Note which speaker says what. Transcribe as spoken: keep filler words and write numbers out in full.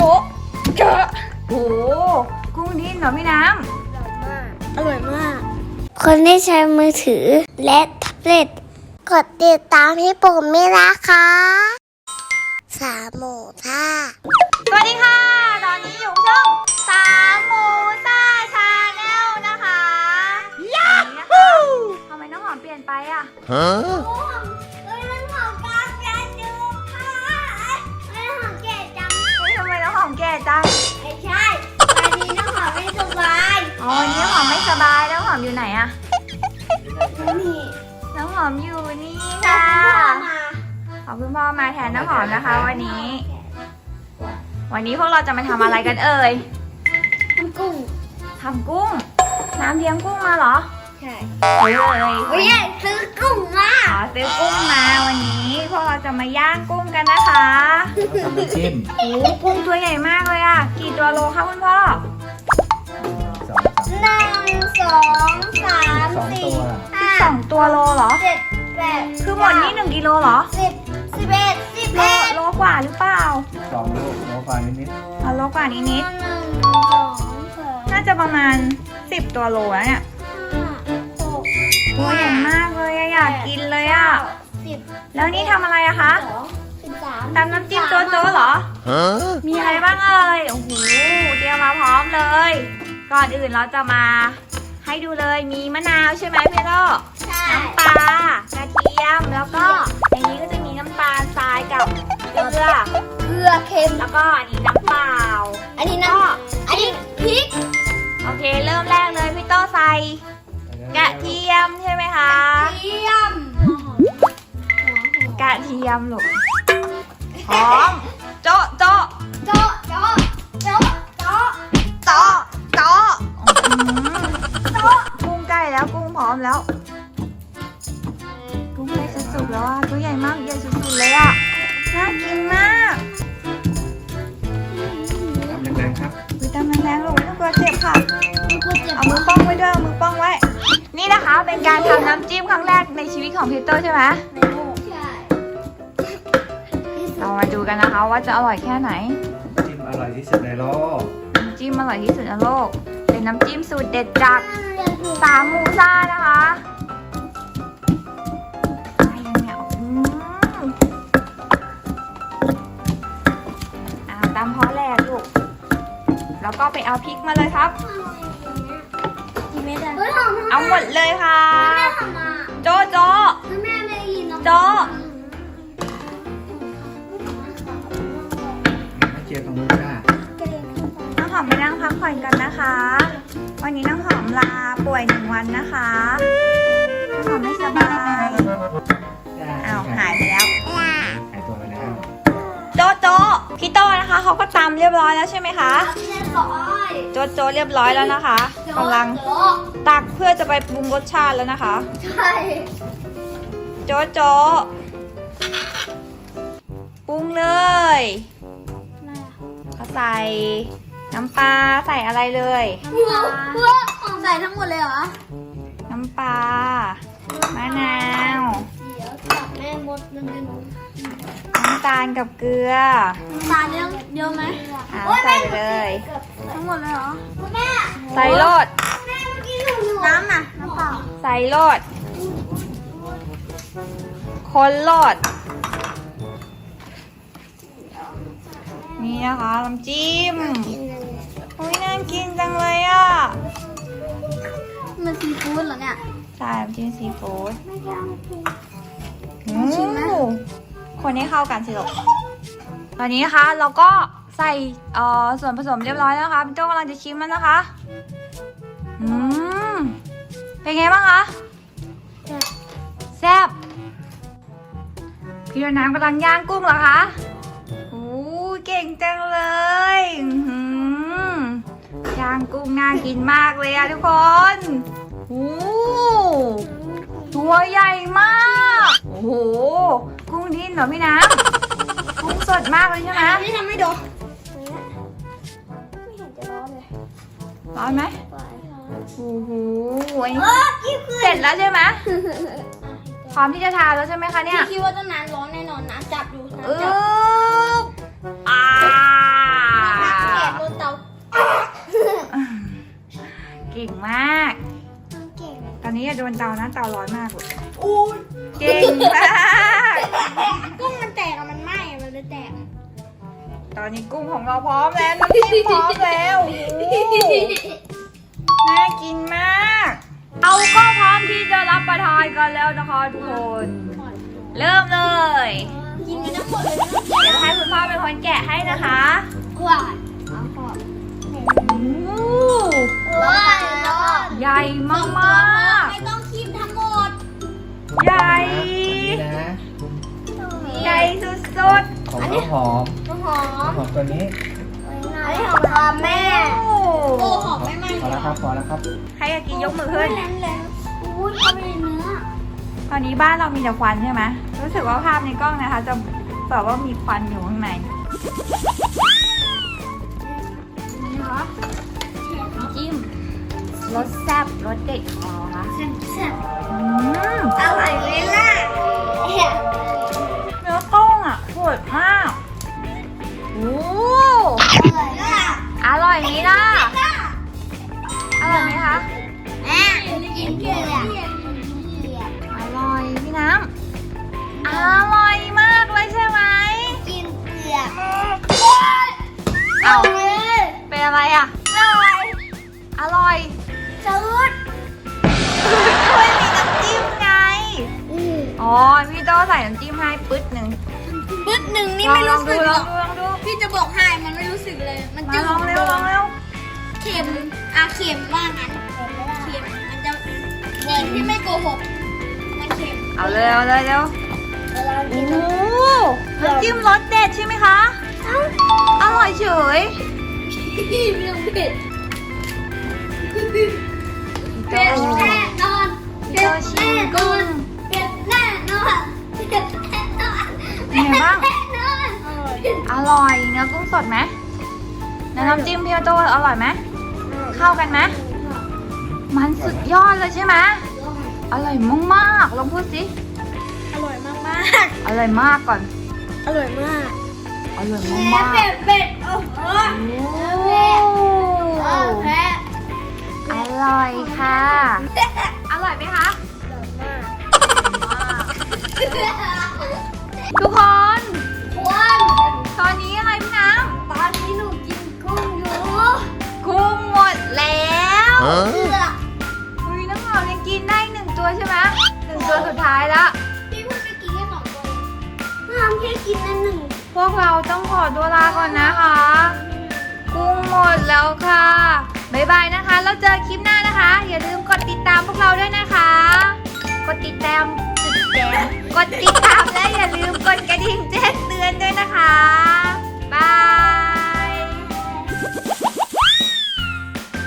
Speaker 1: จ๊ะเจอะโอ้กุ้งดิ้นเหรอพี่น้ำ
Speaker 2: อร่อยมากคนที่ใช้มือถือและแท็บเล็ตกดติดตามพี่ปุ่มไม่นะคะสามหมูท่า
Speaker 1: สวัสดีค่ะตอนนี้อยู่ช่องสามหมูซ่าชาแนลนะคะยาฮูทำไมน้องหอมเปลี่ยนไปอ่ะฮะเฮ้ยน้องหอมกาแฟดูค่ะเฮ้ยน้องหอมแก่จังเฮ้ยทำไมน้องหอมแก่จัง
Speaker 2: ไม่ใช่วันนี้น้องหอมไม่สบาย
Speaker 1: อ๋อวันนี้น้องหอมไม่สบายแล้วน้องหอมอยู่ไหนอ่ะ
Speaker 2: นี่
Speaker 1: น้องหอมอยู่นี่ค่ะขอบคุณพ่อมาแทนน้องหอมนะคะวันนี้วันนี้พวกเราจะมาทำอะไรกันเอ่ย
Speaker 2: ทำกุ้ง
Speaker 1: ทำกุ้งน้ำเลี้ยงกุ้งมาเหรอ
Speaker 2: ใช่
Speaker 1: เฮ้ย
Speaker 2: เฮ้ยซื้อกุ้งมา
Speaker 1: อ๋อซื้อกุ้งมาวันนี้พวกเราจะมาย่างกุ้งกันนะคะ
Speaker 3: ทำน้ำจิ้ม
Speaker 1: โอ้กุ้งตัวใหญ่มากเลยอ่ะกี่ตัวโลคะคุณพ่อ
Speaker 3: สอง
Speaker 2: หนึ่งสองสามสี่ห้า
Speaker 1: สองตัวโลเหรอ
Speaker 2: เจ็ดแปด
Speaker 1: คือหมดนี้หนึ่งกิโลเหรอ
Speaker 2: สิบสิบเอ็ดสิบ
Speaker 1: โล
Speaker 2: เอ็ด
Speaker 1: โลกว่าหรือเปล่า
Speaker 3: สองลูกโลกว่านิดนิด
Speaker 1: อ๋อโลกว่านิดนิด
Speaker 2: หนึ่งสองสาม
Speaker 1: น่าจะประมาณสิบตัวโลแล้วเนี่ยตัวใหญ่มากเลยอยากกินเลยอ่ะ
Speaker 2: สิบ
Speaker 1: แล้วนี่ทำอะไรอะคะ
Speaker 2: สองสิบสาม
Speaker 1: ตำน้ำจิ้มโจ๊โจ๊เหรอมีอะไรบ้างเอ่ยโอ้โหเตรียมมาพร้อมเลยก่อนอื่นเราจะมาให้ดูเลยมีมะนาวใช่ไหมพี่โต้น้ำปลากระเทียมแล้วก็ในนี้ก็จะมีน้ำตาลทรายกับเกลือ
Speaker 2: เกลือเค็ม
Speaker 1: แล้วก็อันนี้น้ำเปล่า
Speaker 2: อันนี้น้ำอันนี้พริก
Speaker 1: โอเคเริ่มแรกเลยพี่โต้ใส่กระเทียมใช่ไหมคะ
Speaker 2: กระเทียม
Speaker 1: กระเทียมลูกหอมโจ๊ะโจ๊ะ
Speaker 2: โจ๊ะโจ๊ะโจ๊ะโจ๊ะ
Speaker 1: โจ๊ะโจ๊ะโจ๊ะกุ้งใกล้แล้วกุ้งพร้อมแล้วกุ้งใกล้จะสุกแล้วอ่ะตัวใหญ่มากใหญ่สุดๆเลยอ่ะน่ากินมาก
Speaker 3: ทำแรงๆครับ
Speaker 1: วิตามินแรงลูกไม่ต้องกลัวเจ็บค่ะเอามือป้องไว้ด้วยเอามือป้องไว้นี่นะคะเป็นการทำน้ำจิ้มครั้งแรกในชีวิตของพีเตอร์ใช่ไหมเรามาดูกันนะคะว่าจะอร่อยแค่ไหน
Speaker 3: จิ้มอร่อยที่สุดในโลก
Speaker 1: น้ำจิ้มอร่อยที่สุดในโลกเป็นน้ำจิ้มสูตรเด็ดจากสามหมูซ่านะคะอะไรเนี่ยอืมอ่าตามพอแรกลูกแล้วก็ไปเอาพริกมาเลยครับเอาหมดเลยค่ะโจ๊ะโจ๊ะโจ๊ะ
Speaker 3: เจียวตรงนู้นจ้า
Speaker 1: น้องหอมไปนั่งพักผ่อนกันนะคะวันนี้น้องหอมลาป่วยหนึ่งวันนะคะน้องหอมไม่สบายอ้าวหายไปแล้ว
Speaker 3: หายตัวไปแล้ว
Speaker 1: โจ๊ะโจ๊ะพี่โต้นะคะเขาก็ตำเรียบร้อยแล้วใช่ไหมคะโจ๊ะโจ๊ะเรียบร้อยแล้วนะคะกำลังตักเพื่อจะไปปรุงรสชาติแล้วนะคะ
Speaker 2: ใช่
Speaker 1: โจ๊ะโจ๊ะปรุงเลยเขาใส่น้ำปลาใส่อะไรเลย
Speaker 2: ใส่ทั้งหมดเลยเหรอ
Speaker 1: น้ำปลามะนาว
Speaker 2: แม่มดมันเป็น
Speaker 1: น้ำตาลกับเกลือ
Speaker 2: น้ำตาลเยอะเยอะไหม
Speaker 1: ใส่ไปเลย
Speaker 2: ทั้งหมดเลยเหรอแม่
Speaker 1: ใส่โลด
Speaker 2: น้ำน่ะน้ำเปล่า
Speaker 1: ใส่โลดคนโลดนี่นะคะน้ำจิ้มโอ้ยน่ากินจังเลยอ่ะ
Speaker 2: มันซีฟู้ดเหรอเนี่ย
Speaker 1: ใช่น้ำจิ้มซีฟู้ดชิมไหมคนให้เข้ากันสิลูกตอนนี้นะคะเราก็ใส่เอ่อส่วนผสมเรียบร้อยแล้วนะคะพี่โจ้กำลังจะชิมแล้วนะคะอืมเป็นไงบ้างคะแซ่บพี่น้ำกำลังย่างกุ้งเหรอคะโอ้เก่งจังเลยย่างกุ้งน่ากินมากเลยอะทุกคนโอ้ตัวใหญ่มากโอ้โหกุ้งดิ้นเหรอพี่น้ำกุ้งสดมากเลยใช่ไหม
Speaker 2: ไม่ทำไม่ดู
Speaker 1: ไม่เห็นจะร้อนเลยร้อนไหมโอ้โหเสร็จแล้วใช่ไหมพร้อมที่จะทานแล้วใช่ไหมคะเนี่ย
Speaker 2: คิดว่าต้องน้ำร้อนแน่นอนน้ำจับอยู่
Speaker 1: น้ำจับอ่าอย่าโดนเตานะเตาร้อนมากเลย
Speaker 2: อู้
Speaker 1: เก่งมาก
Speaker 2: กุ้งมันแตกอะมันไหม้อะมันเลยแตก
Speaker 1: ตอนนี้กุ้งของเราพร้อมแล้วน้ำจิ้มพร้อมแล้วโอ้โหน่ากินมากเอาก็พร้อมที่จะรับประทานกันแล้วนะคะทุกคน เริ่มเลย
Speaker 2: กินกันทั้งหมดเลยนะ
Speaker 1: เดี๋ยวให้คุณพ่อเป็นคนแกะให้นะคะ
Speaker 2: กว่าเอาขอบ
Speaker 1: โอ้โห
Speaker 2: ร้อนร้อน
Speaker 1: ใหญ่มาก
Speaker 2: ไม่ต้องคีบทั้งหมด
Speaker 1: ๆใหญ่
Speaker 3: นี่นะ
Speaker 1: ใหญ่สุด
Speaker 3: ของน้องหอม
Speaker 2: น้ำหอ
Speaker 3: น้อง
Speaker 2: ม
Speaker 3: หอมตัวนี้
Speaker 2: อันนี้ของพ่อแม่
Speaker 1: ๆโอ้
Speaker 2: โอ้หอมไม่ไหม้
Speaker 3: พอแล้วครับพอแล้วครับ
Speaker 1: ใครอยากกินยกมือขึ้น
Speaker 2: นั้นเลยอุ้ยเขาไม่ได้เนื้อ
Speaker 1: ตอนนี้บ้านเรามีแต่ควันใช่ไหมรู้สึกว่าภาพในกล้องนะคะ จะแบบว่ามีควันอยู่ข้างในนี่คะน้ำจิ้มรสแซ่บรสเด็ดของเราค่ะ
Speaker 2: แซ่บแซ่บ
Speaker 1: อืม
Speaker 2: อร่อยไหมล่ะ
Speaker 1: เนื้อต้งอ่ะสดมากโอ้
Speaker 2: อร่อยล่ะ
Speaker 1: อร่อยไหมล่ะอร่อยไหมคะ
Speaker 2: แม่กินเกลือ
Speaker 1: อร่อยพี่น้ำอร่อยมากเลยใช่ไหม
Speaker 2: กินเกลือ
Speaker 1: เอาเป็นอะไรอ่ะ
Speaker 2: อร่อย
Speaker 1: อร่อย
Speaker 2: จืด
Speaker 1: ช่วยมีน้ำจิ้มไง
Speaker 2: อืม
Speaker 1: อ๋อ พี่โตใส่น้ำจิ้มให้ปึ๊ดหนึ่ง
Speaker 2: ปึ๊ดหนึ่งนี่
Speaker 1: ลอง
Speaker 2: ไม่
Speaker 1: ลอ
Speaker 2: รู้
Speaker 1: ง
Speaker 2: สึ
Speaker 1: ดู
Speaker 2: กห
Speaker 1: ล
Speaker 2: ร
Speaker 1: อ
Speaker 2: อง ก
Speaker 1: ดูลองดู
Speaker 2: พี่จะบอกให้มันไม่รู้สึกเลย มัน
Speaker 1: มา
Speaker 2: จะ
Speaker 1: ลองเร็วลองเร็ว
Speaker 2: เค็มอ่ะเค็มว่างั้นเค็มมันจะกินที่ไม่โกหกมันเค็ม
Speaker 1: เอาเลยเอาเลยเร็ว
Speaker 2: เวลา
Speaker 1: โอ้
Speaker 2: กิน
Speaker 1: โหน้ำจิ้มรสเด็ดใช่ไหมคะ อร่อยเฉย
Speaker 2: พี่ไม่ต้องเผ็ดเผ็ดแน่นอน
Speaker 1: พี่โตชิมกุ้ง
Speaker 2: เผ็ดแน่นอนเผ็ดแน่นอน
Speaker 1: เป็นไงบ้าง
Speaker 2: แน่นอน
Speaker 1: อร่อยเนื้อกุ้งสดไหมแล้วน้ำจิ้มพี่โตอร่อยไหมเข้ากันไหมมันสุดยอดเลยใช่ไหมอร่อยมากๆลองพูดสิ
Speaker 2: อร่อยมากมาก
Speaker 1: อร่อยมากก่อน
Speaker 2: อร่อยมาก
Speaker 1: อร่อย
Speaker 2: แพ้
Speaker 1: มาก
Speaker 2: เผ็ดเผ็ดโอ้โห
Speaker 1: ๆ
Speaker 2: เผ็ดเออแพ้
Speaker 1: อร่อยค่ะ อร่อยไหมคะ ทุกคน
Speaker 2: ควร
Speaker 1: ตอนนี้อะไรพี่น้
Speaker 2: ตอนนี้หนูกินกุ้งอยู่
Speaker 1: ำกุ้งหมดแล้ว
Speaker 2: เผือก
Speaker 1: อุ้ยน้องหอมยังกินได้หนึ่งตัวใช่ไหมหนึ่งตัวสุดท้ายแล้ว
Speaker 2: พี่พูดไปกินแค่สองตัวห้ามแค่กินนั่นหนึ่ง
Speaker 1: พวกเราต้องขอตัวลาก่อนนะคะ กุ้งหมดแล้วค่ะ บ๊ายบายนะคะ แล้วเจอคลิปหน้านะคะ อย่าลืมกดติดตามพวกเราด้วยนะคะ กดติดตามจุดแดงกดติดตามและอย่าลืมกดกระดิ่งแจ้งเตือนด้วยนะคะ